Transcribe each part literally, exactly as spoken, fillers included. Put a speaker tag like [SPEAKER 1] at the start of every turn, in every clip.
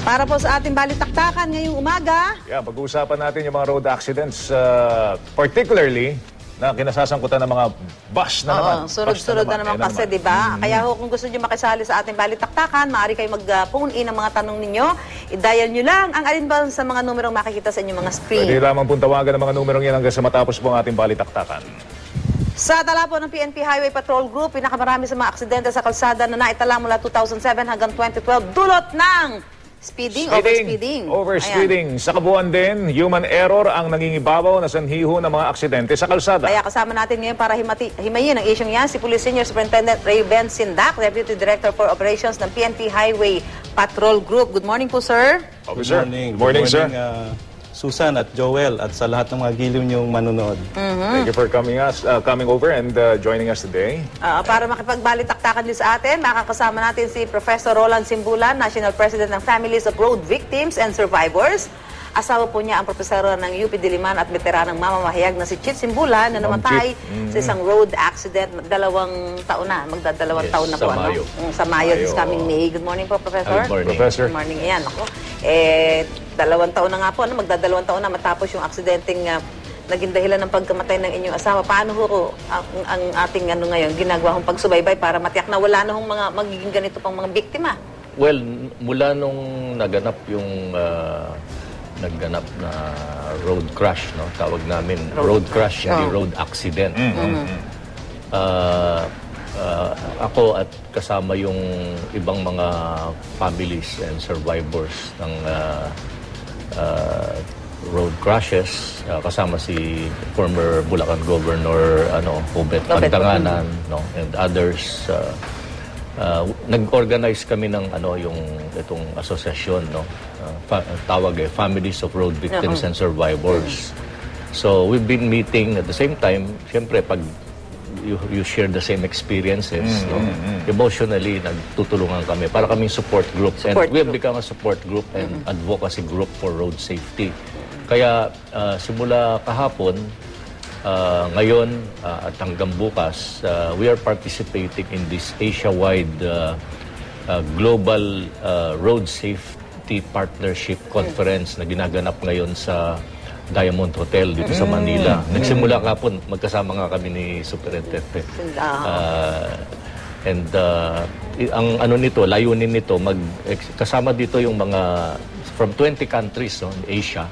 [SPEAKER 1] Para po sa ating balitaktakan ngayong umaga.
[SPEAKER 2] Yeah, pag-uusapan natin yung mga road accidents, uh, particularly na kinasasangkutan ng mga bus na
[SPEAKER 1] Oo,
[SPEAKER 2] naman.
[SPEAKER 1] sunod-sunod na, na naman
[SPEAKER 2] eh,
[SPEAKER 1] kasi,
[SPEAKER 2] naman.
[SPEAKER 1] di ba?
[SPEAKER 2] Mm-hmm.
[SPEAKER 1] Kaya ho, kung gusto nyo makisali sa ating balitaktakan, maaari kayo mag-phone in ang mga tanong ninyo. I-dial nyo lang ang alinbang sa mga numerong makikita sa inyong mga screen.
[SPEAKER 2] Pwede lamang pong tawagan ang mga numerong yan hanggang sa matapos po ang ating balitaktakan.
[SPEAKER 1] Sa tala po ng P N P Highway Patrol Group, pinakamarami sa mga aksidente sa kalsada na naitala mula two thousand seven hanggang twenty twelve, dulot ng speeding, overspeeding.
[SPEAKER 2] Overspeeding. Sa kabuuan din, human error ang nangingibabaw na sanhiho ng mga aksidente sa kalsada.
[SPEAKER 1] Kaya kasama natin ngayon para himati, himayin ang isyong yan, si Police Senior Superintendent Ray Ben Sindak, Deputy Director for Operations ng P N P Highway Patrol Group. Good morning po, sir.
[SPEAKER 2] Officer.
[SPEAKER 3] Good morning.
[SPEAKER 2] Good morning,
[SPEAKER 3] Good
[SPEAKER 2] sir.
[SPEAKER 3] morning, uh, Susan at Joel at sa lahat ng mga giliw niyong manonood.
[SPEAKER 1] Mm-hmm.
[SPEAKER 2] Thank you for coming us, uh, coming over and uh, joining us today.
[SPEAKER 1] Uh, para makipagbalitaktakan din sa atin, makakasama natin si Professor Roland Simbulan, National President ng Families of Road Victims and Survivors. Asawa po niya ang profesor ng U P Diliman at veteranang mamamahayag na si Chit Simbulan na namatay mm-hmm. sa isang road accident. Dalawang taon na, magdadalawang yes, taon na po. Sa Mayo. Ano? Sa Mayo, this coming May. Good morning po, Professor.
[SPEAKER 2] Good morning. Professor.
[SPEAKER 1] Good morning. Ayan, ako. Eh, dalawang taon na nga po, ano, magdadalawang taon na matapos yung aksidenteng uh, naging dahilan ng pagkamatay ng inyong asawa. Paano ho ang, ang ating ano ngayon, ginagawa hong pagsubaybay para matiyak na wala na hong mga magiging ganito pang mga biktima?
[SPEAKER 4] Well, mula nung naganap yung uh, nagganap na road crash, no? Tawag namin road, road crash, hindi oh. road accident. Mm-hmm. No? Uh, uh, ako at kasama yung ibang mga families and survivors ng uh, uh, road crashes, uh, kasama si former Bulacan Governor ano Obet Pantanganan, no, and others. Uh, Uh, nag-organize kami ng ano yung itong asosasyon, no, uh, fa tawag eh Families of Road Victims uh-huh. and Survivors. So we've been meeting at the same time. Siyempre pag you, you share the same experiences, mm-hmm. no, emotionally nagtutulungan kami para kaming support group, support and we have group. become a support group and mm-hmm. advocacy group for road safety. Kaya uh, simula kahapon, Uh, ngayon uh, at hanggang bukas, uh, we are participating in this Asia-wide uh, uh, Global uh, Road Safety Partnership Conference na ginaganap ngayon sa Diamond Hotel dito sa Manila. Nagsimula kapon, magkasama nga kami ni Superintendent. Uh, and uh, ang ano nito, layunin nito, mag, kasama dito yung mga from twenty countries, no, in Asia.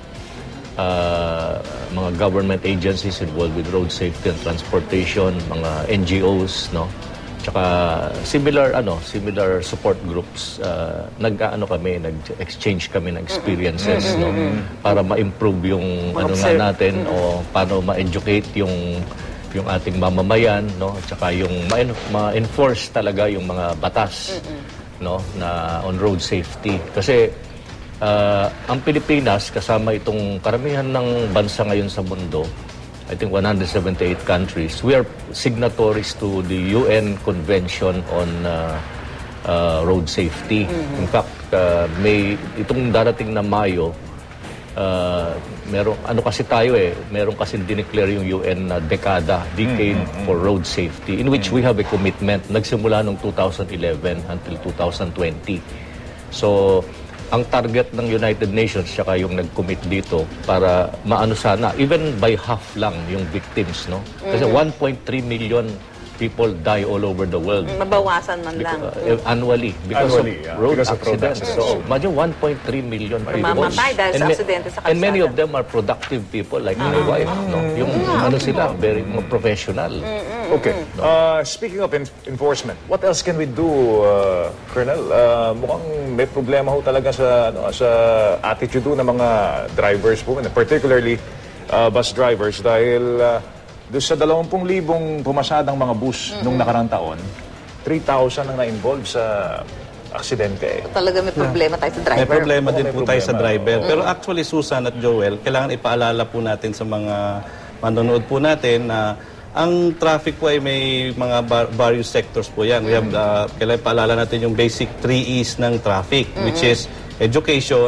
[SPEAKER 4] Uh, mga government agencies involved with road safety and transportation, mga N G Os, no, tsaka similar ano similar support groups. Uh, nag-ano kami, nag-exchange kami ng experiences, mm-hmm. no, para ma-improve yung ano nga natin, mm-hmm. o paano ma-educate yung yung ating mamamayan, no, tsaka yung ma-enforce talaga yung mga batas, mm-hmm. no, na on road safety. Kasi Uh, ang Pilipinas, kasama itong karamihan ng bansa ngayon sa mundo, I think one hundred seventy-eight countries, we are signatories to the U N Convention on uh, uh, Road Safety. Mm-hmm. In fact, uh, may itong darating na Mayo, uh, merong, ano kasi tayo eh, meron kasi dineclare yung U N na dekada, decade mm-hmm. for road safety, in which mm-hmm. we have a commitment, nagsimula noong two thousand eleven until two thousand twenty. So, ang target ng United Nations saka yung nag-commit dito para maano sana, even by half lang yung victims, no? Kasi mm-hmm. one point three million people die all over the world.
[SPEAKER 1] Mabawasan man lang.
[SPEAKER 2] Uh,
[SPEAKER 4] uh, annually because
[SPEAKER 2] annually,
[SPEAKER 4] of
[SPEAKER 2] yeah.
[SPEAKER 4] road
[SPEAKER 2] because
[SPEAKER 4] accidents.
[SPEAKER 2] Of road
[SPEAKER 4] so, imagine one point three million people.
[SPEAKER 1] Mamatay dahil sa aksidente sa kalsada.
[SPEAKER 4] And many of them are productive people like uh-huh. my wife, no? Yung uh-huh. ano sila, very mga professional.
[SPEAKER 1] Mm-hmm.
[SPEAKER 2] Okay. No? Uh, speaking of en enforcement, what else can we do, uh, Colonel? Uh, mukhang may problema ho talaga sa ano, sa attitude ng mga drivers po, particularly uh, bus drivers, dahil uh, doon sa dalawampung libong pumasadang mga bus mm-hmm. nung nakarang taon, three thousand ang na-involve sa aksidente.
[SPEAKER 1] Talaga may problema tayo sa driver.
[SPEAKER 3] May problema
[SPEAKER 2] Oo,
[SPEAKER 3] din
[SPEAKER 2] may
[SPEAKER 3] po
[SPEAKER 2] problema.
[SPEAKER 3] tayo sa driver.
[SPEAKER 1] Mm-hmm.
[SPEAKER 3] Pero actually, Susan at Joel, kailangan ipaalala po natin sa mga manonood po natin na ang traffic po ay may mga various sectors po yan. We have, uh, kailangan ipaalala natin yung basic three E's ng traffic, mm-hmm. which is education,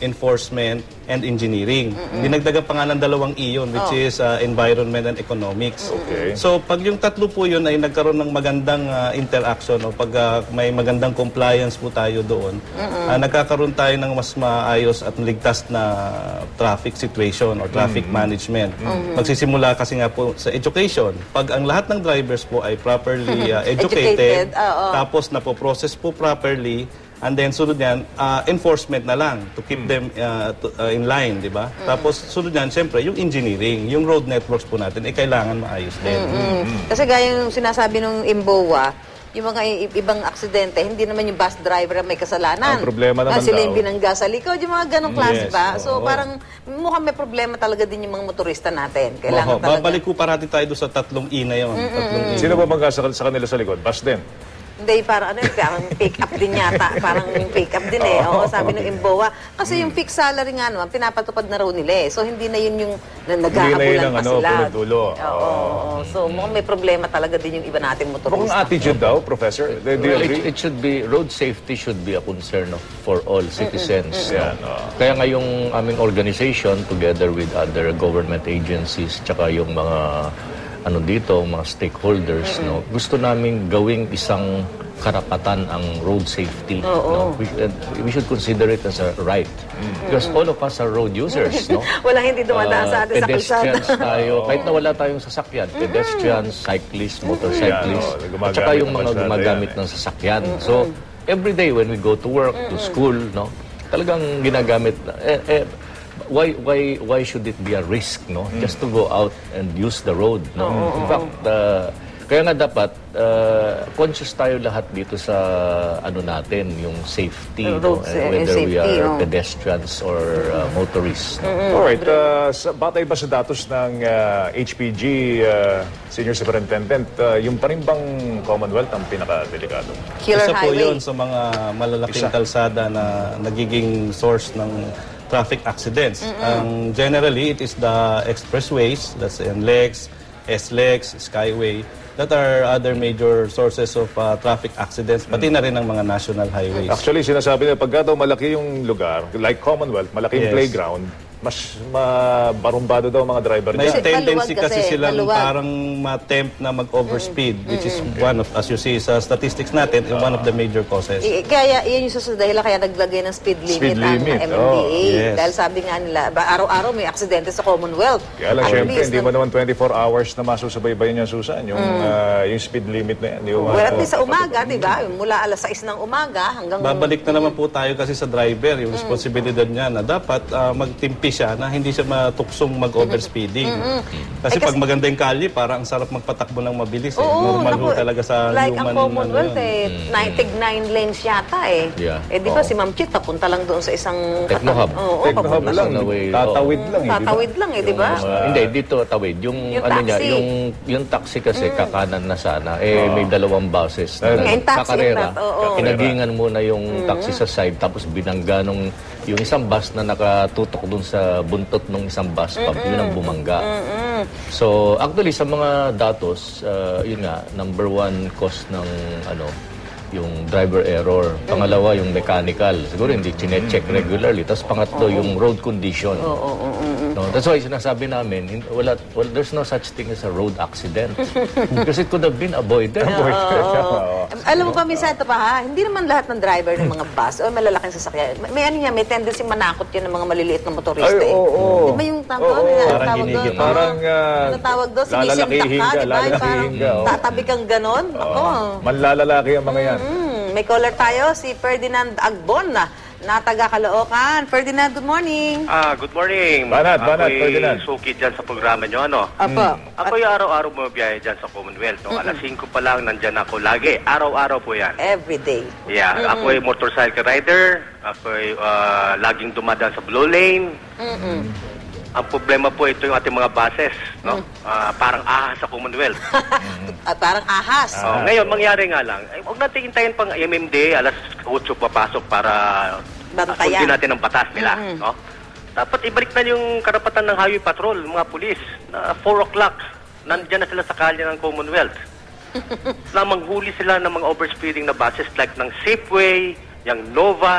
[SPEAKER 3] enforcement, and engineering. Dinagdagan pa nga ng dalawang E yun, which is uh, environment and economics.
[SPEAKER 2] Okay.
[SPEAKER 3] So, pag yung tatlo po yun ay nagkaroon ng magandang uh, interaction o pag uh, may magandang compliance po tayo doon, uh, nagkakaroon tayo ng mas maayos at ligtas na traffic situation or traffic management. Magsisimula kasi nga po sa education. Pag ang lahat ng drivers po ay properly uh, educated,
[SPEAKER 1] Educated, oo.
[SPEAKER 3] tapos napoprocess po properly, and then sunod yan, uh, enforcement na lang to keep them uh, to- uh, in line, di ba? Tapos sunod yan, siyempre, yung engineering, yung road networks po natin, eh kailangan maayos din.
[SPEAKER 1] Mm. Kasi gaya yung sinasabi ng Imboa, yung mga i- ibang aksidente, hindi naman yung bus driver ang may kasalanan.
[SPEAKER 2] Ang problema naman
[SPEAKER 1] Ah, sila yung
[SPEAKER 2] daw.
[SPEAKER 1] binangga sa likod, yung mga ganong klase
[SPEAKER 3] Yes,
[SPEAKER 1] ba? So
[SPEAKER 3] oo.
[SPEAKER 1] parang mukhang may problema talaga din yung mga motorista natin. Kailangan
[SPEAKER 3] Oho,
[SPEAKER 1] talaga.
[SPEAKER 3] babalik ko parati tayo doon sa tatlong E na yun. Tatlong E.
[SPEAKER 2] Sino ba bangga sa, sa kanila sa likod? Bus din.
[SPEAKER 1] Hindi, parang ano, parang pick up din yata. Parang yung pick up din eh. Oo, sabi ng Imboa. Kasi yung fixed salary nga naman, pinapatupad na raw nila eh. So hindi na yun yung na,
[SPEAKER 2] Hindi na yun
[SPEAKER 1] naghahabulan
[SPEAKER 2] ang
[SPEAKER 1] pa
[SPEAKER 2] ano,
[SPEAKER 1] sila.
[SPEAKER 2] punod-dulo.
[SPEAKER 1] Oo, oo. So mukhang may problema talaga din yung iba nating
[SPEAKER 2] Mukhang
[SPEAKER 1] motorista.
[SPEAKER 2] attitude daw, Professor. Do, do you
[SPEAKER 4] Well,
[SPEAKER 2] agree?
[SPEAKER 4] it, it should be, road safety should be a concern of, for all citizens. no?
[SPEAKER 2] Yan, oo.
[SPEAKER 4] Kaya nga yung aming organization, together with other government agencies, tsaka yung mga ano dito, mga stakeholders, no, gusto naming gawing isang karapatan ang road safety. No? We, uh, we should consider it as a right. Because all of us are road users. No?
[SPEAKER 1] Walang hindi dumadaan sa
[SPEAKER 4] Uh,
[SPEAKER 1] atin sa kalsada.
[SPEAKER 4] pedestrians tayo, kahit na wala tayong sasakyan, pedestrians, cyclists, motorcyclists,
[SPEAKER 2] Yan, oh,
[SPEAKER 4] at saka yung
[SPEAKER 2] gumagamit ng
[SPEAKER 4] mga
[SPEAKER 2] kalsada
[SPEAKER 4] gumagamit
[SPEAKER 2] yan,
[SPEAKER 4] ng sasakyan. So, every day when we go to work, to school, no, talagang ginagamit, eh, eh, why why why should it be a risk, no, just to go out and use the road, no? In fact, uh, kaya nga dapat uh, conscious tayo lahat dito sa ano natin, yung safety, no?
[SPEAKER 1] Road
[SPEAKER 4] And
[SPEAKER 1] sa-
[SPEAKER 4] whether we
[SPEAKER 1] safety,
[SPEAKER 4] are
[SPEAKER 1] oh.
[SPEAKER 4] pedestrians or uh, motorists. No?
[SPEAKER 2] Alright, uh, sa, batay ba sa datos ng uh, H P G uh, Senior Superintendent, uh, yung pa rin bang Commonwealth ang pinaka-delikado?
[SPEAKER 1] Killer
[SPEAKER 3] Isa po
[SPEAKER 1] highway.
[SPEAKER 3] yun sa mga malalaking
[SPEAKER 2] Isa.
[SPEAKER 3] kalsada na nagiging source ng traffic accidents. Ang generally, it is the expressways, that's N LEX, S LEX, Skyway, that are other major sources of uh, traffic accidents, pati na rin ang mga national highways.
[SPEAKER 2] Actually, sinasabi nila, pagka daw malaki yung lugar, like Commonwealth, malaki yung
[SPEAKER 3] Yes.
[SPEAKER 2] playground, mas mabarumbado daw ang mga driver
[SPEAKER 3] May
[SPEAKER 2] niya.
[SPEAKER 1] Kasi
[SPEAKER 3] tendency
[SPEAKER 1] maluwag
[SPEAKER 3] kasi,
[SPEAKER 1] kasi,
[SPEAKER 3] silang
[SPEAKER 1] maluwag.
[SPEAKER 3] parang ma-tempt na mag-overspeed, which is one of, as you see sa statistics natin, one of the major causes.
[SPEAKER 1] I- Kaya yun yung susunod dahilan kaya naglagay ng speed limit,
[SPEAKER 2] Speed limit,
[SPEAKER 1] ang M M D A.
[SPEAKER 2] oh,
[SPEAKER 3] yes.
[SPEAKER 1] Dahil sabi nga nila, ba, araw-araw may aksidente sa Commonwealth.
[SPEAKER 2] Kaya lang,
[SPEAKER 1] At
[SPEAKER 2] syempre,
[SPEAKER 1] least,
[SPEAKER 2] hindi
[SPEAKER 1] nag-
[SPEAKER 2] mo naman twenty-four hours na masusubaybayan yung Susan, yung, uh, yung speed limit na yan. Di mo
[SPEAKER 1] Well, at
[SPEAKER 2] ma-
[SPEAKER 1] least sa umaga, di ba? Mula alas sais ng umaga hanggang...
[SPEAKER 3] Babalik na naman po tayo kasi sa driver, yung responsibilidad niya na dapat ah, magtimpi siya na hindi siya matuksong mag-overspeeding. Kasi
[SPEAKER 1] Eh,
[SPEAKER 3] pag
[SPEAKER 1] kasi-
[SPEAKER 3] maganda yung kalye, parang ang sarap magpatakbo ng mabilis. Eh.
[SPEAKER 1] Oo,
[SPEAKER 3] Normal
[SPEAKER 1] naku,
[SPEAKER 3] ho talaga sa
[SPEAKER 1] like
[SPEAKER 3] human
[SPEAKER 1] ang Commonwealth
[SPEAKER 3] ano yun.
[SPEAKER 1] eh, nine, tig nine lanes yata eh.
[SPEAKER 4] Yeah.
[SPEAKER 1] Eh di ba
[SPEAKER 4] Oo.
[SPEAKER 1] si Ma'am Chit papunta lang doon sa isang...
[SPEAKER 4] Technohub.
[SPEAKER 1] Oo,
[SPEAKER 2] Technohub
[SPEAKER 1] papunta-
[SPEAKER 2] lang,
[SPEAKER 4] Nasa way,
[SPEAKER 2] tatawid lang. eh, di ba?
[SPEAKER 1] Tatawid lang eh, di ba?
[SPEAKER 4] Uh, hindi, dito tawid. Yung,
[SPEAKER 1] Yung
[SPEAKER 4] ano niya,
[SPEAKER 1] taxi.
[SPEAKER 4] yung, yung taxi kasi kakanan na sana. Eh, may dalawang buses na
[SPEAKER 2] Eh,
[SPEAKER 1] Ngayon, taxi
[SPEAKER 4] kakarera.
[SPEAKER 1] in that, oo.
[SPEAKER 4] Kinagingan muna yung taxi sa side, tapos binangga nung yung isang bus na nakatutok dun sa buntot ng isang bus, pag yun ang bumangga. So, actually, sa mga datos, uh, yun nga, number one cause ng ano, yung driver error. Pangalawa, yung mechanical. Siguro hindi chinecheck regularly. Tapos pangatlo, yung road condition. No, that's why sinasabi namin, hin- wala, wala, there's no such thing as a road accident. Because it could have been avoided.
[SPEAKER 1] Oo. Alam mo ba, minsan ito pa ha, hindi naman lahat ng driver ng mga bus o malalaking sasakyan. May, may ano niya, may tendency manakot yan ng mga maliliit na motorista
[SPEAKER 2] Ay,
[SPEAKER 1] eh.
[SPEAKER 2] oo, oo.
[SPEAKER 1] Di ba yung tawag
[SPEAKER 2] Oo,
[SPEAKER 1] ano,
[SPEAKER 3] parang
[SPEAKER 1] tawag doon?
[SPEAKER 3] ginigit.
[SPEAKER 1] Oo.
[SPEAKER 2] Parang, ah,
[SPEAKER 1] ano tawag doon? Sinisindak
[SPEAKER 2] lalalakihin
[SPEAKER 1] ka,
[SPEAKER 2] ka,
[SPEAKER 1] di ba? Yung
[SPEAKER 2] lalalakihin
[SPEAKER 1] Parang
[SPEAKER 2] ka, oo.
[SPEAKER 1] tatabi kang ganon. Ako.
[SPEAKER 2] Manlalalaki ang mga yan.
[SPEAKER 1] Mm, may caller tayo, si Ferdinand Agbon na, na taga Caloocan. Ferdinand, good morning.
[SPEAKER 5] Ah, good morning.
[SPEAKER 2] Banat, banat,
[SPEAKER 5] Ako'y
[SPEAKER 2] Ferdinand.
[SPEAKER 5] suki dyan sa programa nyo, ano?
[SPEAKER 1] Apo.
[SPEAKER 5] Ako'y araw-araw bumabiyahe dyan sa Commonwealth. No? Alas singko pa lang, nandyan ako lagi. Araw-araw po yan.
[SPEAKER 1] Every day.
[SPEAKER 5] Yeah, ako'y motorcycle rider. Ako'y ah, laging dumadaan sa Blue Lane. Ang problema po ito yung ating mga buses, no? Ah, parang ahas sa Commonwealth.
[SPEAKER 1] At parang ahas.
[SPEAKER 5] Oh, ngayon, mangyari nga lang, ay, huwag natin hintayin pang M M D, alas eight papasok para
[SPEAKER 1] Bantayan.
[SPEAKER 5] sundin natin ang batas nila. No? Dapat ibalik na yung karapatan ng highway patrol, mga pulis, na four o'clock, nandyan na sila sa kalye ng Commonwealth. na manghuli sila ng mga overspeeding na buses like ng Safeway, yung Nova,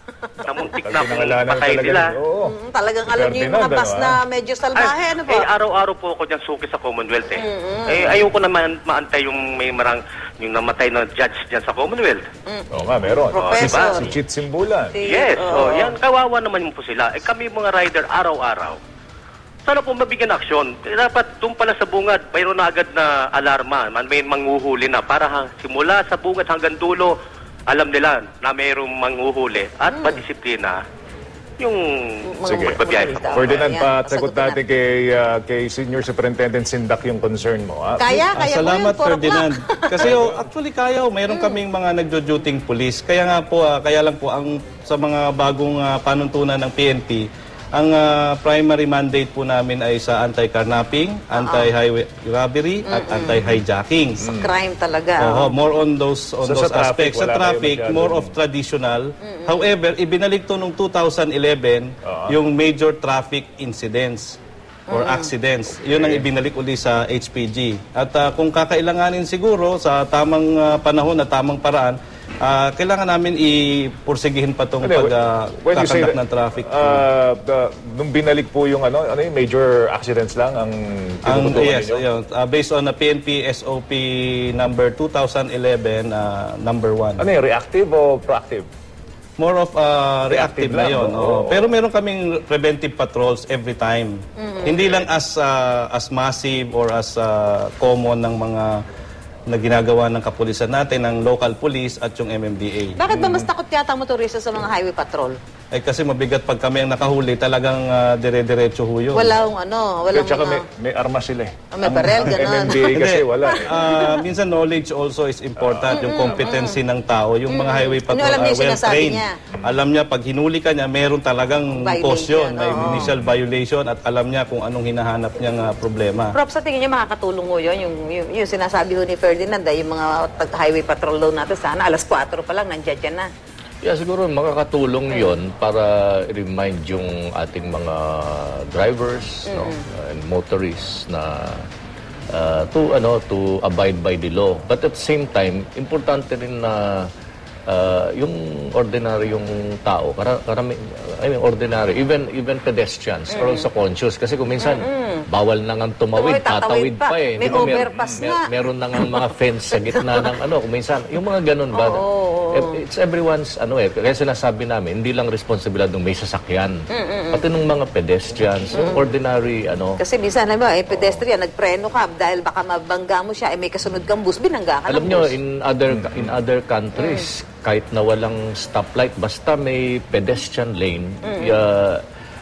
[SPEAKER 5] na muntik
[SPEAKER 2] Pag
[SPEAKER 5] na kung
[SPEAKER 2] pinangalanan
[SPEAKER 5] patay
[SPEAKER 2] talaga
[SPEAKER 5] nila.
[SPEAKER 2] yun, Oo.
[SPEAKER 1] Mm, talagang alam niyo yung
[SPEAKER 2] Ferdinand,
[SPEAKER 1] mga bus
[SPEAKER 2] ano,
[SPEAKER 1] na
[SPEAKER 2] ah?
[SPEAKER 1] medyo salbahe, ano po?
[SPEAKER 5] Eh, araw-araw po ako dyan suki sa Commonwealth eh. Eh, ayoko naman maantay yung may marang, yung namatay na judge dyan sa Commonwealth.
[SPEAKER 2] Oo nga, meron.
[SPEAKER 1] Professor.
[SPEAKER 2] Si Chit Simbulan.
[SPEAKER 1] Si-
[SPEAKER 5] Yes,
[SPEAKER 1] oo.
[SPEAKER 5] oh, yan, kawawa naman po sila. Eh, kami mga rider, araw-araw. Sana po mabigyan aksyon. Eh, dapat doon pala sa bungad, mayroon na agad na alarma. Man, may manghuhuli na. Para ha, simula sa bungad hanggang dulo, alam nila na mayroong manghuhuli at padisiplina yung
[SPEAKER 1] Mga
[SPEAKER 2] Sige.
[SPEAKER 5] magbabiyahe.
[SPEAKER 1] motorista.
[SPEAKER 2] Ferdinand,
[SPEAKER 1] Ayan,
[SPEAKER 2] pasagot
[SPEAKER 1] pasagutin
[SPEAKER 2] natin kay, ah, kay Senior Superintendent Sindak yung concern mo. ah.
[SPEAKER 1] Kaya,
[SPEAKER 3] Ah,
[SPEAKER 1] kaya
[SPEAKER 3] salamat,
[SPEAKER 1] po yun, four
[SPEAKER 3] Ferdinand.
[SPEAKER 1] o'clock.
[SPEAKER 3] Kasi oh, actually kaya, oh, mayroon kaming mga nagjo-duting police. Kaya nga po, ah, kaya lang po, ang, sa mga bagong ah, panuntunan ng P N P, ang ah, primary mandate po namin ay sa anti-carnapping, anti-highway robbery, at anti-hijacking.
[SPEAKER 1] Sa crime talaga.
[SPEAKER 3] Oo, more on those on
[SPEAKER 2] So,
[SPEAKER 3] those
[SPEAKER 2] sa traffic,
[SPEAKER 3] aspects. Sa
[SPEAKER 2] wala kayo
[SPEAKER 3] traffic,
[SPEAKER 2] masyadong-
[SPEAKER 3] more of traditional. However, ibinalik to nung two thousand eleven yung major traffic incidents or accidents. Yun ang ibinalik uli sa H P G. At ah, kung kakailanganin siguro sa tamang ah, panahon at tamang paraan, ah, kailangan namin ipursigihin pa itong
[SPEAKER 2] Ano, when you say
[SPEAKER 3] pagkakandak
[SPEAKER 2] that,
[SPEAKER 3] ng traffic.
[SPEAKER 2] ah, the- nung binalik po yung ano, ano yung major accidents lang ang
[SPEAKER 3] Ang
[SPEAKER 2] tinututukan
[SPEAKER 3] yes,
[SPEAKER 2] ninyo?
[SPEAKER 3] ayun, ah, based on the P N P S O P number two thousand eleven, ah, number one.
[SPEAKER 2] Ano yung reactive o proactive?
[SPEAKER 3] More of uh, reactive,
[SPEAKER 2] Reactive
[SPEAKER 3] na
[SPEAKER 2] lang,
[SPEAKER 3] yun.
[SPEAKER 2] no?
[SPEAKER 3] oo.
[SPEAKER 2] Oo.
[SPEAKER 3] Pero meron kaming preventive patrols every time. Hindi lang as uh, as massive or as uh, common ng mga na ginagawa ng kapulisan natin, ng local police at yung M M D A.
[SPEAKER 1] Bakit ba mas takot yata ang motorista sa mga highway patrol?
[SPEAKER 3] Eh kasi mabigat pag kami ang nakahuli, talagang uh, dire-diretso ho yun.
[SPEAKER 1] Walang ano, walang
[SPEAKER 2] Tsaka may,
[SPEAKER 1] mga...
[SPEAKER 2] may armas sila eh.
[SPEAKER 1] Ah, may barel,
[SPEAKER 2] Ang
[SPEAKER 1] ganun.
[SPEAKER 2] M M D A kasi wala eh.
[SPEAKER 3] Ah, minsan knowledge also is important, yung competency ng tao. Yung mga highway patrol
[SPEAKER 1] Ano, alam niya
[SPEAKER 3] are
[SPEAKER 1] yung sinasabi
[SPEAKER 3] well-trained.
[SPEAKER 1] niya.
[SPEAKER 3] Alam niya, pag hinuli ka niya, meron talagang
[SPEAKER 1] Violation,
[SPEAKER 3] caution, may
[SPEAKER 1] oo.
[SPEAKER 3] initial violation at alam niya kung anong hinahanap niyang ah, problema.
[SPEAKER 1] Prof, sa tingin niyo makakatulong ho yun, yung, yung, yung sinasabi ho ni Ferdinand, ah, yung mga tag- highway patrol daw natin, sana alas kwatro pa lang, nandiyan dyan na.
[SPEAKER 4] Yeah, siguro makakatulong yon para remind yung ating mga drivers no, and motorists na uh, to ano to abide by the law. But at the same time, importante rin na uh, yung ordinaryong tao, kara, karami, I mean ordinary, even even pedestrians are also conscious kasi kung minsan bawal na nga tumawid,
[SPEAKER 1] Tumawid, tatawid
[SPEAKER 4] tatawid
[SPEAKER 1] pa.
[SPEAKER 4] pa eh.
[SPEAKER 1] May
[SPEAKER 4] Di ba, mer-
[SPEAKER 1] overpass
[SPEAKER 4] mer-
[SPEAKER 1] nga.
[SPEAKER 4] meron na nga mga fence sa gitna ng ano, kung minsan, yung mga ganun ba? Eh, It's everyone's, ano eh, kaya sinasabi namin, hindi lang responsibilidad ng may sasakyan, pati ng mga pedestrians, yung ordinary, ano,
[SPEAKER 1] Kasi minsan, alam mo, eh, pedestrian, nagpreno ka dahil baka mabangga mo siya, eh, may kasunod kang bus, binangga ka
[SPEAKER 4] alam
[SPEAKER 1] ng
[SPEAKER 4] nyo,
[SPEAKER 1] bus.
[SPEAKER 4] in other in other countries, kahit na walang stoplight, basta may pedestrian lane, uh,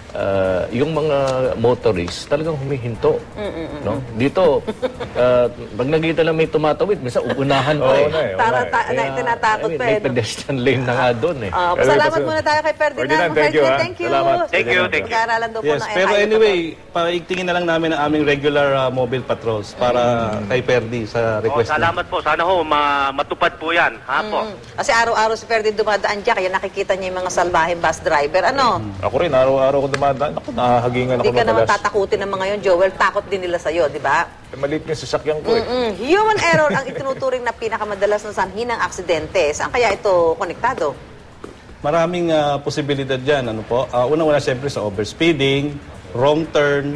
[SPEAKER 4] uh, yung mga motorists talagang humihinto. No? Dito, uh, pag nakita lang may tumatawid, minsan uunahan pa
[SPEAKER 2] Oo
[SPEAKER 4] eh.
[SPEAKER 2] na eh.
[SPEAKER 1] Tara,
[SPEAKER 2] oo na eh.
[SPEAKER 1] ta- na, tinatakot
[SPEAKER 4] I mean,
[SPEAKER 1] pa
[SPEAKER 4] may
[SPEAKER 1] eh. no?
[SPEAKER 4] pedestrian lane na nga doon eh.
[SPEAKER 1] Ah,
[SPEAKER 2] Pero
[SPEAKER 1] salamat
[SPEAKER 2] ito,
[SPEAKER 1] muna tayo kay Ferdinand.
[SPEAKER 2] Ferdinand, thank you,
[SPEAKER 1] Ferdinand,
[SPEAKER 2] ah.
[SPEAKER 1] thank you.
[SPEAKER 2] Salamat.
[SPEAKER 5] Thank you, thank you.
[SPEAKER 1] Pag-aaralan daw po
[SPEAKER 3] Yes,
[SPEAKER 1] ng
[SPEAKER 3] pero
[SPEAKER 1] highway
[SPEAKER 3] anyway, paigtingin na lang namin ang aming regular uh, mobile patrols para kay Perdi sa
[SPEAKER 5] Oh,
[SPEAKER 3] request niya.
[SPEAKER 5] salamat po. Sana ho, ma- matupad po yan. Ha po?
[SPEAKER 1] patrol. Kasi araw-araw si Ferdinand dumadaan dyan, kaya nakikita niya yung mga salbahing bus driver. Ano?
[SPEAKER 2] Ako rin, araw-araw ko dumadaan. Ako, nahahagingan ako
[SPEAKER 1] Hindi ka naman
[SPEAKER 2] madalas.
[SPEAKER 1] tatakutin ng mga yun, Joel. Takot din nila sa'yo, di ba?
[SPEAKER 2] Eh, Maliit yung sasakyan ko eh.
[SPEAKER 1] Mm, human error ang itinuturing na pinakamadalas na sanhi ng aksidente. Saan kaya ito konektado?
[SPEAKER 3] Maraming uh, posibilidad dyan. Ano po? Uh, Una-una siyempre sa overspeeding, wrong turn,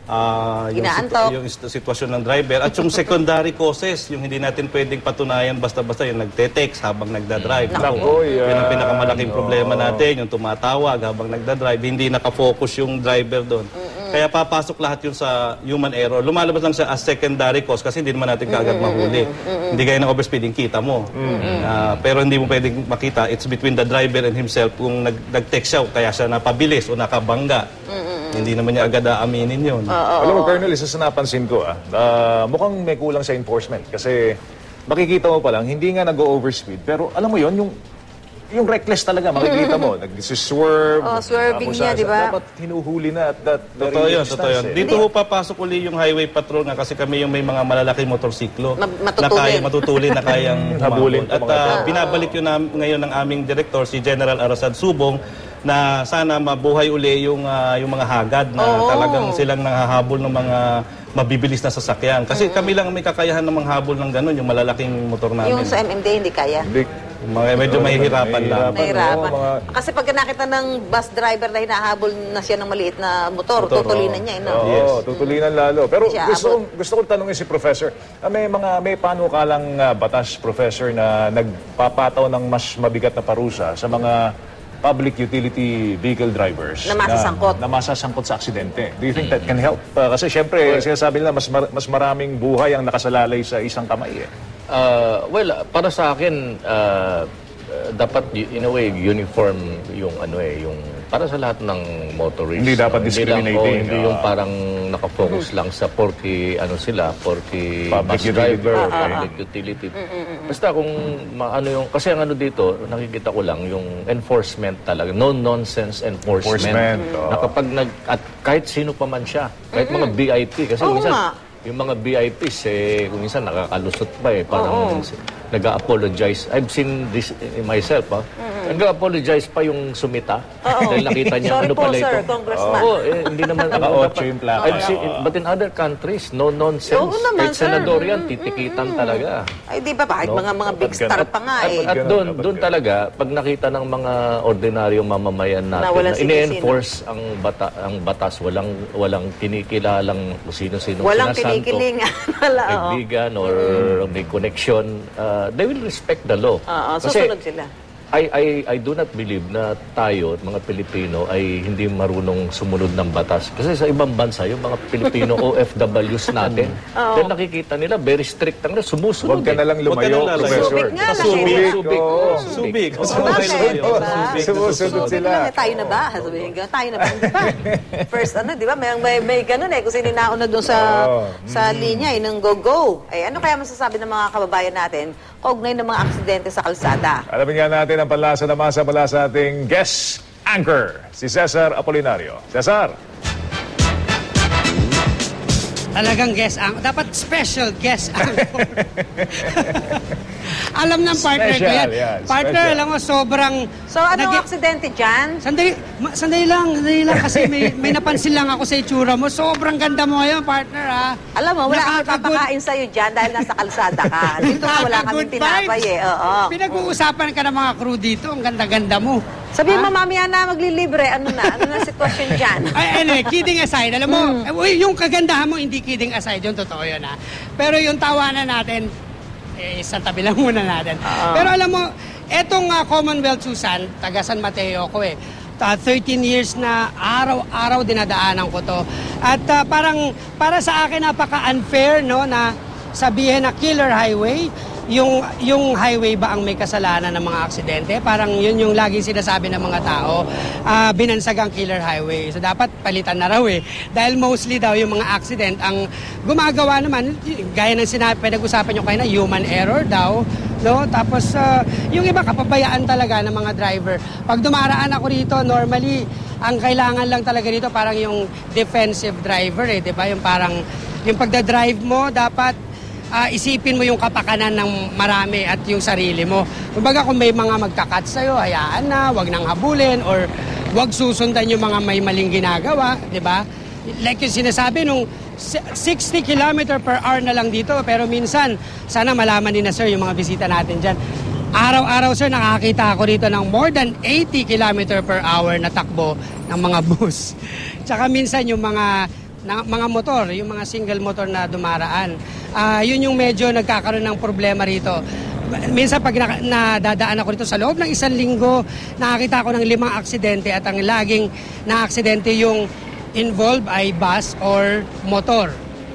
[SPEAKER 3] uh, yung,
[SPEAKER 1] Inaantok.
[SPEAKER 3] yung ist- sitwasyon ng driver, at yung secondary causes, yung hindi natin pwedeng patunayan basta-basta yung nagte-text habang nagdadrive.
[SPEAKER 2] Naku,
[SPEAKER 3] Yun ang
[SPEAKER 2] yan.
[SPEAKER 3] pinakamalaking problema
[SPEAKER 2] Oo.
[SPEAKER 3] natin, yung tumatawag habang nagdadrive, hindi nakafocus yung driver doon. Kaya papasok lahat yun sa human error. Lumalabas lang siya as secondary cause kasi hindi naman natin kaagad mahuli. Hindi gaya ng overspeeding, kita mo. Ah, pero hindi mo pwedeng makita, it's between the driver and himself kung nag- nag-text siya, kaya siya napabilis o nakabangga. Hindi naman niya agad aaminin yun.
[SPEAKER 2] Alam mo, Colonel, isa sa napansin ko, ah, ah, mukhang may kulang sa enforcement. Kasi makikita mo pa lang, hindi nga nag-overspeed. Pero alam mo yon yung yung reckless talaga, makikita mo. Nag-swerve.
[SPEAKER 1] Oh, swerving
[SPEAKER 2] tapos,
[SPEAKER 1] niya,
[SPEAKER 2] ah,
[SPEAKER 1] di ba?
[SPEAKER 2] Dapat hinuhuli na at that very
[SPEAKER 3] Totoo yun,
[SPEAKER 2] instance,
[SPEAKER 3] totoo yun.
[SPEAKER 2] eh.
[SPEAKER 3] Dito ho papasok uli yung highway patrol nga kasi kami yung may mga malalaking motorsiklo
[SPEAKER 1] Ma-
[SPEAKER 3] na
[SPEAKER 1] matutulin.
[SPEAKER 3] kaya matutulin na kayang
[SPEAKER 2] Habulin
[SPEAKER 3] humabol. At
[SPEAKER 2] po mga
[SPEAKER 3] ah,
[SPEAKER 2] tao.
[SPEAKER 3] binabalik yun nam- ngayon ng aming director, si General Arasad Subong, na sana mabuhay uli yung ah, yung mga hagad na
[SPEAKER 1] Oo.
[SPEAKER 3] talagang silang nanghahabol ng mga mabibilis na sasakyan. Kasi kami lang may kakayahan ng manghabol ng ganun, yung malalaking motor namin.
[SPEAKER 1] Yung sa M M D A, hindi kaya.
[SPEAKER 2] Hindi,
[SPEAKER 3] Mga- medyo mahihirapan lang.
[SPEAKER 2] Mahihirapan.
[SPEAKER 1] Nahirapan.
[SPEAKER 2] Oo, mga-
[SPEAKER 1] Kasi pag nakita ng bus driver na hinahabol na siya ng maliit na motor, tutulinan niya. Eh, no?
[SPEAKER 2] Oo,
[SPEAKER 3] Yes.
[SPEAKER 2] tutulinan lalo. Pero
[SPEAKER 1] Siya
[SPEAKER 2] gusto
[SPEAKER 1] abot.
[SPEAKER 2] kong gusto kong tanungin si Professor, ah, may mga may panukalang ah, batas, Professor, na nagpapataw ng mas mabigat na parusa sa mga public utility vehicle drivers
[SPEAKER 1] Na masasangkot.
[SPEAKER 2] na, na masasangkot sa aksidente. Do you think that can help? Ah, kasi syempre, sinasabi nila mas mar- mas maraming buhay ang nakasalalay sa isang kamay eh.
[SPEAKER 4] Uh, well, para sa akin, uh, uh, dapat y- in a way uniform yung ano eh, yung para sa lahat ng motorists.
[SPEAKER 2] Hindi dapat
[SPEAKER 4] no?
[SPEAKER 2] discriminating,
[SPEAKER 4] Hindi, lang, oh, hindi
[SPEAKER 2] ah.
[SPEAKER 4] yung parang nakafocus lang sa forty ano sila, forty
[SPEAKER 2] Public
[SPEAKER 4] bus
[SPEAKER 2] utility.
[SPEAKER 4] driver,
[SPEAKER 2] Ah, ah,
[SPEAKER 4] public utility. Basta kung maano yung kasi ang ano dito, nakikita ko lang yung enforcement talaga, no nonsense enforcement.
[SPEAKER 2] Enforcement, oh.
[SPEAKER 4] Na kapag nag at kahit sino pa man siya, kahit mga V I P kasi
[SPEAKER 1] Oo
[SPEAKER 4] minsan
[SPEAKER 1] nga.
[SPEAKER 4] yung mga V I Ps, eh, kung minsan nakakalusot pa eh. Parang nag-apologize. I've seen this in myself, ha. Nag-apologize pa yung sumita. Dahil nakita niya,
[SPEAKER 1] Sorry
[SPEAKER 4] ano
[SPEAKER 1] po,
[SPEAKER 4] pala
[SPEAKER 1] sir,
[SPEAKER 4] ito.
[SPEAKER 1] Congressman.
[SPEAKER 4] Oo, eh, hindi naman.
[SPEAKER 2] Naka-otso yung plaka.
[SPEAKER 4] I've seen, but in other countries, no nonsense.
[SPEAKER 1] Oo naman,
[SPEAKER 4] Kahit
[SPEAKER 1] sir.
[SPEAKER 4] senador yan, titikitan talaga.
[SPEAKER 1] Ay, di ba? Kahit
[SPEAKER 4] No?
[SPEAKER 1] mga mga big
[SPEAKER 2] Dapat
[SPEAKER 1] star
[SPEAKER 2] ganun.
[SPEAKER 1] pa nga
[SPEAKER 4] At,
[SPEAKER 1] eh.
[SPEAKER 4] at
[SPEAKER 2] Ganun,
[SPEAKER 4] doon,
[SPEAKER 2] dapat
[SPEAKER 4] doon
[SPEAKER 2] ganun.
[SPEAKER 4] talaga, pag nakita ng mga ordinaryong mamamayan natin
[SPEAKER 1] Na walang
[SPEAKER 4] na ine-enforce ang, bata, ang batas, walang, walang kinikilalang kung sino-sino
[SPEAKER 1] Walang
[SPEAKER 4] sinasanto,
[SPEAKER 1] kinikilingan. Wala, oo.
[SPEAKER 4] kaibigan or may connection, uh, they will respect the law.
[SPEAKER 1] Oo,
[SPEAKER 4] Kasi
[SPEAKER 1] susunod sila.
[SPEAKER 4] I, I, I do not believe na tayo, mga Pilipino, ay hindi marunong sumunod ng batas. Kasi sa ibang bansa, yung mga Pilipino O F Ws natin, dahil nakikita nila, very strict ang sumusunod.
[SPEAKER 2] Huwag ka
[SPEAKER 4] eh.
[SPEAKER 2] na lang
[SPEAKER 3] Huwag ka
[SPEAKER 2] lumayo,
[SPEAKER 3] na lalayo.
[SPEAKER 2] Professor.
[SPEAKER 1] Subik nga lang eh.
[SPEAKER 4] Subik, subik.
[SPEAKER 2] Oo.
[SPEAKER 4] oo,
[SPEAKER 3] Subik.
[SPEAKER 4] Oo.
[SPEAKER 3] Subik.
[SPEAKER 1] Bakit?
[SPEAKER 3] Subik.
[SPEAKER 1] Diba?
[SPEAKER 2] Sumusunod
[SPEAKER 1] Subik
[SPEAKER 2] sila.
[SPEAKER 1] lang eh, tayo na ba? Sabihin ka, tayo na ba? Di ba? First, ano, di ba? May, may, may ganun eh. Kung sino nauna doon sa,
[SPEAKER 2] Oo.
[SPEAKER 1] sa linya, eh, ng go-go. Eh, ano kaya masasabi ng mga kababayan natin kaugnay ng mga aksidente sa kalsada?
[SPEAKER 2] Alamin nga natin ang panlasa na masa mula sa ating guest anchor, si Cesar Apolinario. Cesar!
[SPEAKER 6] Talagang guest ang dapat special guest anchor. Alam ng partner ko
[SPEAKER 2] Special,
[SPEAKER 6] yan.
[SPEAKER 2] yan,
[SPEAKER 6] Partner,
[SPEAKER 2] special.
[SPEAKER 6] alam mo, sobrang...
[SPEAKER 1] So, anong
[SPEAKER 6] nagi-
[SPEAKER 1] aksidente dyan?
[SPEAKER 6] Sandali, ma- sandali lang, sandali lang kasi may, may napansin lang ako sa itsura mo. Sobrang ganda mo ngayon, partner, ha?
[SPEAKER 1] Alam mo, wala kang
[SPEAKER 6] Nakaka-good-
[SPEAKER 1] papakain sa'yo dyan dahil nasa kalsada ka. Dito nga wala kaming
[SPEAKER 6] Nakaka-good
[SPEAKER 1] tinapay
[SPEAKER 6] vibes.
[SPEAKER 1] eh. Oo.
[SPEAKER 6] Pinag-uusapan ka ng mga crew dito. Ang ganda-ganda mo.
[SPEAKER 1] Sabihin mo, mamaya na maglilibre. Ano na? Ano na sitwasyon dyan?
[SPEAKER 6] Ay, anyway, kidding aside, alam mo,
[SPEAKER 1] Hmm.
[SPEAKER 6] eh, uy, yung kagandahan mo, hindi kidding aside, yung totoo yun, ha? Pero yung tawanan natin, eh, sa tabi lang muna natin. Pero alam mo, etong uh, Commonwealth, Susan, taga San Mateo ko eh, uh, thirteen years na araw-araw dinadaanan ko to. At uh, parang, para sa akin, napaka-unfair, no, na sabihin na killer highway, yung yung highway ba ang may kasalanan ng mga aksidente? Parang yun yung laging sinasabi ng mga tao, ah, binansagang killer highway. So dapat palitan na raw eh. Dahil mostly daw yung mga accident ang gumagawa naman, y- gaya ng sinabi, pinag-usapan nyo kayo na human error daw. No? Tapos ah, yung iba kapabayaan talaga ng mga driver. Pag dumaraan ako rito, normally, ang kailangan lang talaga dito parang yung defensive driver eh. Diba? Yung parang, yung pagdadrive mo, dapat Ah, isipin mo yung kapakanan ng marami at yung sarili mo. Kumbaga kung may mga magkakat sa'yo, hayaan na, wag nang habulin or wag susundan yung mga may maling ginagawa, di ba? Like yung sinasabi nung sixty kilometer per hour na lang dito, pero minsan, sana malaman din na sir yung mga bisita natin dyan. Araw-araw sir, nakakita ako dito ng more than eighty kilometer per hour na takbo ng mga bus. Tsaka minsan yung mga na, mga motor, yung mga single motor na dumaraan. Ah, yun yung medyo nagkakaroon ng problema rito. Minsan pag na, nadadaan ako rito sa loob ng isang linggo, nakakita ako ng limang aksidente at ang laging na aksidente yung involved ay bus or motor.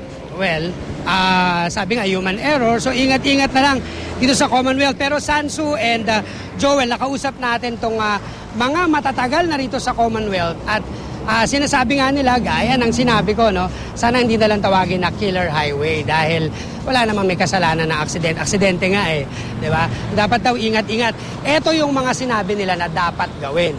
[SPEAKER 6] Well, ah, sabi nga human error, so ingat-ingat na lang dito sa Commonwealth. Pero Sansu and ah, Joel, nakausap natin tong ah, mga matatagal na rito sa Commonwealth at Ah, sinasabi nga nila, gaya ng sinabi ko, no, sana hindi na lang tawagin na killer highway dahil wala namang may kasalanan na aksidente. Aksidente nga eh, di ba? Dapat daw ingat-ingat. Ito yung mga sinabi nila na dapat gawin.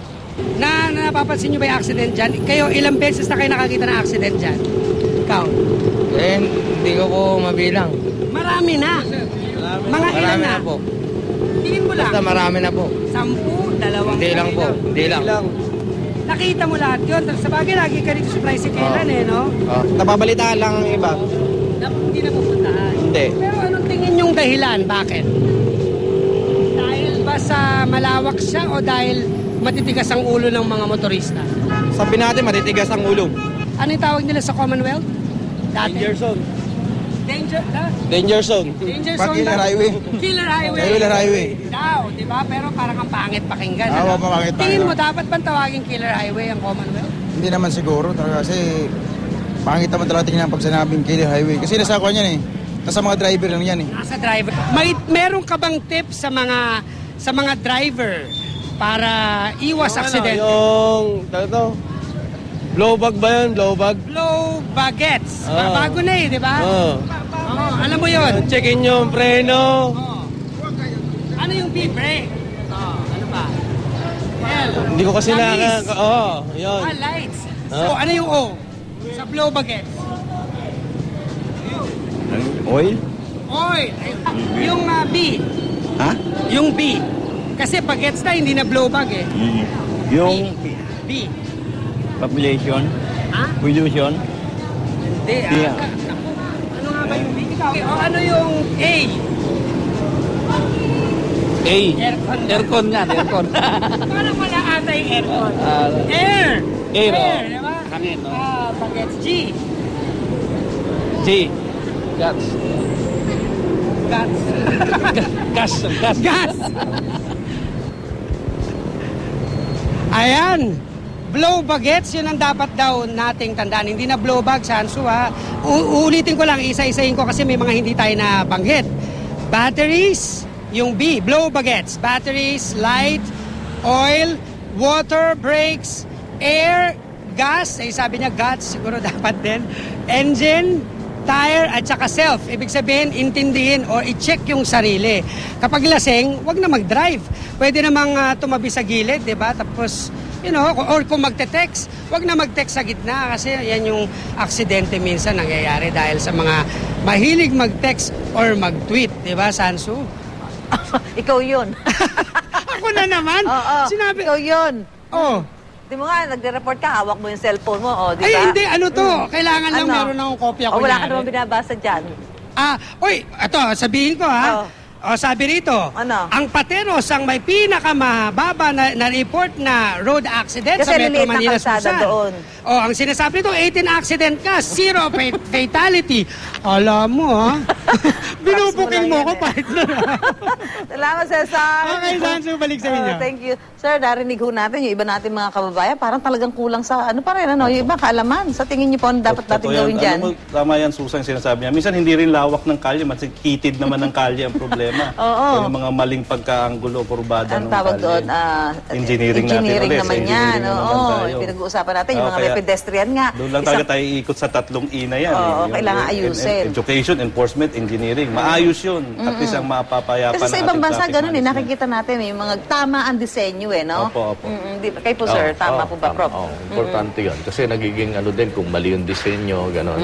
[SPEAKER 6] Na, na napapansin nyo ba yung accident dyan? Kayo, ilang beses na kayo nakakita ng accident dyan? Ikaw?
[SPEAKER 7] Eh, hindi ko po mabilang.
[SPEAKER 6] Marami na. Mga ilan
[SPEAKER 7] Marami
[SPEAKER 6] na?
[SPEAKER 7] na po.
[SPEAKER 6] Tingin mo lang.
[SPEAKER 7] Basta marami na po.
[SPEAKER 6] Sampu, dalawang.
[SPEAKER 7] Hindi lang po. Hindi lang.
[SPEAKER 6] Nakita mo lahat yun. Sa bagay, lagi ka dito sa tricyclean eh, no?
[SPEAKER 7] Oh, napabalitaan lang ang iba.
[SPEAKER 6] Na, hindi na pupuntahan.
[SPEAKER 7] Hindi.
[SPEAKER 6] Pero anong tingin yung dahilan? Bakit? Dahil sa malawak siya o dahil matitigas ang ulo ng mga motorista?
[SPEAKER 7] Sabi natin, matitigas ang ulo.
[SPEAKER 6] Ano yung tawag nila sa Commonwealth? Dati?
[SPEAKER 7] Danger zone.
[SPEAKER 6] Danger, ah?
[SPEAKER 7] Danger zone.
[SPEAKER 6] Danger
[SPEAKER 7] Pag
[SPEAKER 6] zone
[SPEAKER 7] killer
[SPEAKER 6] daw.
[SPEAKER 7] highway.
[SPEAKER 6] Killer highway.
[SPEAKER 7] Killer highway.
[SPEAKER 6] Daw, di ba? Pero parang ang pangit pakinggan.
[SPEAKER 7] Oo,
[SPEAKER 6] ano?
[SPEAKER 7] pangit pakinggan.
[SPEAKER 6] Tingin mo, dapat bang tawagin killer highway ang Commonwealth?
[SPEAKER 7] Hindi naman siguro talaga kasi pangit naman talaga tingnan pag sinabing killer highway. Kasi nasa ako yan eh. Nasa mga driver lang yan eh.
[SPEAKER 6] Nasa driver. May meron ka bang tips sa mga sa mga driver para iwas aksidente?
[SPEAKER 8] Yung, ito, blow bag ba yun? Blow bag?
[SPEAKER 6] Blow baguettes.
[SPEAKER 8] Ah.
[SPEAKER 6] Bago na eh, di ba?
[SPEAKER 8] Oo.
[SPEAKER 6] Oo, alam mo yun.
[SPEAKER 8] Checkin yung preno.
[SPEAKER 6] Oo. Ano yung B-brake? Oh, ano ba? L.
[SPEAKER 8] Hindi ko kasi na...
[SPEAKER 6] Langis.
[SPEAKER 8] Oo, oh, yun.
[SPEAKER 6] Ah, lights. So, ano yung O? Sa blow baguettes?
[SPEAKER 8] Oil?
[SPEAKER 6] Oil. Yung uh, B.
[SPEAKER 9] Ha?
[SPEAKER 6] Yung B. Kasi baguettes na, hindi na blow bag eh.
[SPEAKER 9] Yung
[SPEAKER 6] B.
[SPEAKER 9] population,
[SPEAKER 6] Ha?
[SPEAKER 9] pollution,
[SPEAKER 6] Hindi. ah.
[SPEAKER 9] Yeah.
[SPEAKER 6] Ka- naku, ano nga ba yung B? Ikaw, o ano yung A?
[SPEAKER 8] A.
[SPEAKER 6] Aircon.
[SPEAKER 8] Aircon yan, aircon.
[SPEAKER 6] Parang wala ata yung aircon.
[SPEAKER 8] Ah,
[SPEAKER 6] Air.
[SPEAKER 8] Air, oh.
[SPEAKER 6] Air, di ba?
[SPEAKER 8] Hangin, oh.
[SPEAKER 6] Ah, baguettes. G.
[SPEAKER 8] G. Gas.
[SPEAKER 6] Gas.
[SPEAKER 8] Gas. Gas.
[SPEAKER 6] Gas. Ayan. Blow baguettes, yun ang dapat daw nating tandaan. Hindi na blow bag, Sansu, ha. U- uulitin ko lang, isa-isahin ko kasi may mga hindi tayo na banggit. Batteries, yung B, blow baguettes. Batteries, light, oil, water, brakes, air, gas, eh, sabi niya gas, siguro dapat din. Engine, tire, at saka self. Ibig sabihin, intindihin o i-check yung sarili. Kapag lasing, wag na mag-drive. Pwede namang uh, tumabi sa gilid, di ba? Tapos, you know, or kung magte-text, wag na mag-text sa gitna kasi yan yung aksidente minsan nangyayari dahil sa mga mahilig mag-text or mag-tweet, di ba, Sansu?
[SPEAKER 1] Ikaw yun.
[SPEAKER 6] Ako na naman.
[SPEAKER 1] Oo.
[SPEAKER 6] Sinabi,
[SPEAKER 1] Ikaw yun.
[SPEAKER 6] oh,
[SPEAKER 1] Di mo nga, nagre-report ka, hawak mo yung cellphone mo, o, di ba?
[SPEAKER 6] ay hindi, ano to? Kailangan lang
[SPEAKER 1] Ano?
[SPEAKER 6] meron akong kopya
[SPEAKER 1] O,
[SPEAKER 6] ko.
[SPEAKER 1] wala ka naman binabasa dyan.
[SPEAKER 6] Ah, oy, ito, sabihin ko ha.
[SPEAKER 1] Oh.
[SPEAKER 6] O, sabi rito,
[SPEAKER 1] Ano?
[SPEAKER 6] ang Pateros ang may pinakamababa na, na report na road accident
[SPEAKER 1] Kasi
[SPEAKER 6] sa Metro
[SPEAKER 1] liliit na
[SPEAKER 6] Manila,
[SPEAKER 1] kalsada
[SPEAKER 6] Susan.
[SPEAKER 1] doon.
[SPEAKER 6] O, ang sinasabi nito, eighteen accident ka, zero fa- fatality. Alam mo ha, binubuking mo
[SPEAKER 1] lang
[SPEAKER 6] ko,
[SPEAKER 1] yan, eh.
[SPEAKER 6] partner.
[SPEAKER 1] Salamat, Cesar.
[SPEAKER 6] Okay, Sansu, balik sa inyo.
[SPEAKER 1] Oh, thank you. Sir, narinig ho natin yung iba natin mga kababayan, parang talagang kulang sa, ano pa rin, ano, yung iba kaalaman. Sa tingin niyo po, ano dapat natin
[SPEAKER 3] Totoo yan.
[SPEAKER 1] gawin dyan?
[SPEAKER 3] Ano mo, tama yan, Susan, yung sinasabi niya. Minsan hindi rin lawak ng kalye, mas kitid naman ng kalye ang problema.
[SPEAKER 1] Oo.
[SPEAKER 3] Yung mga maling pagkaanggulo, kurbada
[SPEAKER 1] Ang
[SPEAKER 3] ng
[SPEAKER 1] tawag
[SPEAKER 3] kalye.
[SPEAKER 1] doon, ah,
[SPEAKER 3] engineering,
[SPEAKER 1] engineering
[SPEAKER 3] natin.
[SPEAKER 1] naman
[SPEAKER 3] ulit. Sa
[SPEAKER 1] yan.
[SPEAKER 3] engineering naman
[SPEAKER 1] Oo,
[SPEAKER 3] tayo.
[SPEAKER 1] pinag-uusapan natin, yung
[SPEAKER 3] Oo,
[SPEAKER 1] mga
[SPEAKER 3] kaya
[SPEAKER 1] may pedestrian nga.
[SPEAKER 3] Doon lang
[SPEAKER 1] Isang-
[SPEAKER 3] talaga tayo iikot sa tatlong E na yan.
[SPEAKER 1] Oo,
[SPEAKER 3] Yung-
[SPEAKER 1] kailangan
[SPEAKER 3] en- en-
[SPEAKER 1] ayusin.
[SPEAKER 3] Education, enforcement, engineering. Maayos yun. At least ang mapapayapan
[SPEAKER 1] Kasi sa
[SPEAKER 3] ng
[SPEAKER 1] ibang
[SPEAKER 3] ating
[SPEAKER 1] bansa,
[SPEAKER 3] traffic
[SPEAKER 1] ganun eh,
[SPEAKER 3] management.
[SPEAKER 1] nakikita natin, may mga tama ang disenyo eh, no?
[SPEAKER 3] Opo, opo.
[SPEAKER 1] Mm-mm, di, kayo po, sir,
[SPEAKER 4] Oo,
[SPEAKER 1] tama
[SPEAKER 4] oo,
[SPEAKER 1] po ba,
[SPEAKER 4] tama.
[SPEAKER 1] Prof?
[SPEAKER 4] Oo, importante yun. Kasi nagiging ano din, kung mali yung disenyo, gano'n.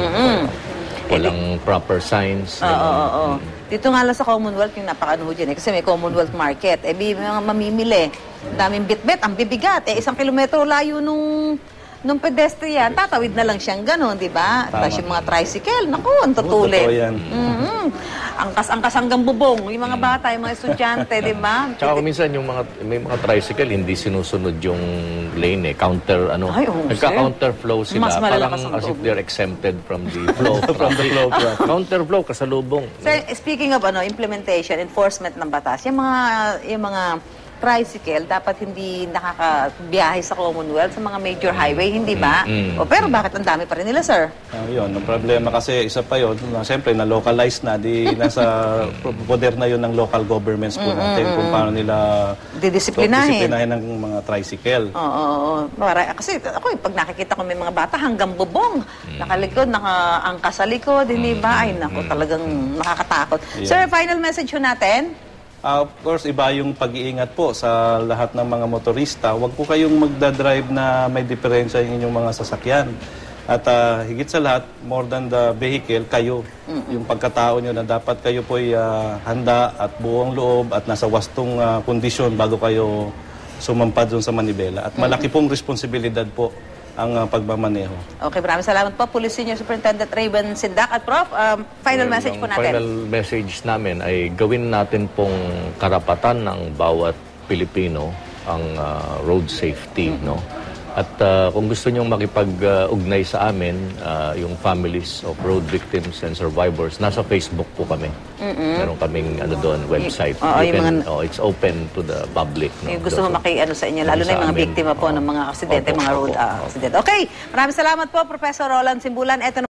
[SPEAKER 4] Walang proper signs.
[SPEAKER 1] Oo,
[SPEAKER 4] gano'n.
[SPEAKER 1] oo, oo. Dito nga lang sa Commonwealth yung napaka-ano ho dyan eh. Kasi may Commonwealth Market. Eh, may mga mamimili. Ang daming bitbit, ang bibigat. Eh, isang kilometro layo nung nung pedestrian, tatawid na lang siyang gano'n, di ba?
[SPEAKER 3] Tama.
[SPEAKER 1] Tapos yung mga tricycle, naku, ang tutulid.
[SPEAKER 3] totoo yan.
[SPEAKER 1] Mhm. Angkas-angkas hanggang bubong. Yung mga bata, yung mga estudyante, di ba?
[SPEAKER 4] Tsaka kung minsan yung mga may mga tricycle hindi sinusunod yung lane eh, counter ano,
[SPEAKER 1] Ay, oo,
[SPEAKER 4] nagka-counter flow sila,
[SPEAKER 1] Mas malalakas
[SPEAKER 4] parang
[SPEAKER 1] ang
[SPEAKER 4] as if
[SPEAKER 1] loob.
[SPEAKER 4] they're exempted from the flow from the flow counter flow kasalubong.
[SPEAKER 1] So, speaking of ano, implementation, enforcement ng batas, yung mga yung mga tricycle dapat hindi nakakabiyahe sa Commonwealth sa mga major highway, hindi ba?
[SPEAKER 4] Mm, mm.
[SPEAKER 1] O, pero bakit ang dami pa rin nila, sir?
[SPEAKER 3] Ah, yun, ang problema kasi isa pa yun, na, siyempre na-localize na, di nasa poder na yun ng local governments po natin kung paano nila
[SPEAKER 1] Didisiplinahin.
[SPEAKER 3] disiplinahin ng mga tricycle.
[SPEAKER 1] Oo, oo, oo. Para, kasi ako, eh, pag nakikita ko may mga bata hanggang bubong, nakalikod, nakaangkas sa likod, hindi ba? Ay, naku, talagang nakakatakot.
[SPEAKER 3] Yeah.
[SPEAKER 1] Sir, final message ho natin?
[SPEAKER 3] Ah, of course, iba yung pag-iingat po sa lahat ng mga motorista. Huwag po kayong magdadrive na may diferensya yung inyong mga sasakyan. At ah, higit sa lahat, more than the vehicle, kayo. Yung pagkatao nyo na dapat kayo po ay ah, handa at buong loob at nasa wastong ah, kondisyon bago kayo sumampad dun sa manibela. At malaki pong responsibilidad po ang ah, pagmamaneho.
[SPEAKER 1] Okay, maraming salamat po. Police Senior Superintendent Raven Sindak at Prof, um, final
[SPEAKER 4] Well,
[SPEAKER 1] message
[SPEAKER 4] ang
[SPEAKER 1] po natin.
[SPEAKER 4] Final message namin ay gawin natin pong karapatan ng bawat Pilipino ang ah, road safety, no? At ah, kung gusto niyong makipag-ugnay sa amin, ah, yung families of road victims and survivors, nasa Facebook po kami. Meron kaming ano doon, website.
[SPEAKER 1] Oo,
[SPEAKER 4] You
[SPEAKER 1] yung
[SPEAKER 4] can-
[SPEAKER 1] mga-
[SPEAKER 4] oh, it's open to the public. No?
[SPEAKER 1] Yung gusto mo maki-ano sa inyo, lalo na
[SPEAKER 4] Sa
[SPEAKER 1] yung mga
[SPEAKER 4] amin.
[SPEAKER 1] biktima po
[SPEAKER 4] Oo.
[SPEAKER 1] ng mga aksidente,
[SPEAKER 4] Opo,
[SPEAKER 1] mga road
[SPEAKER 4] opo,
[SPEAKER 1] ah,
[SPEAKER 4] opo.
[SPEAKER 1] aksidente. Okay, maraming salamat po, Professor Roland Simbulan. Eto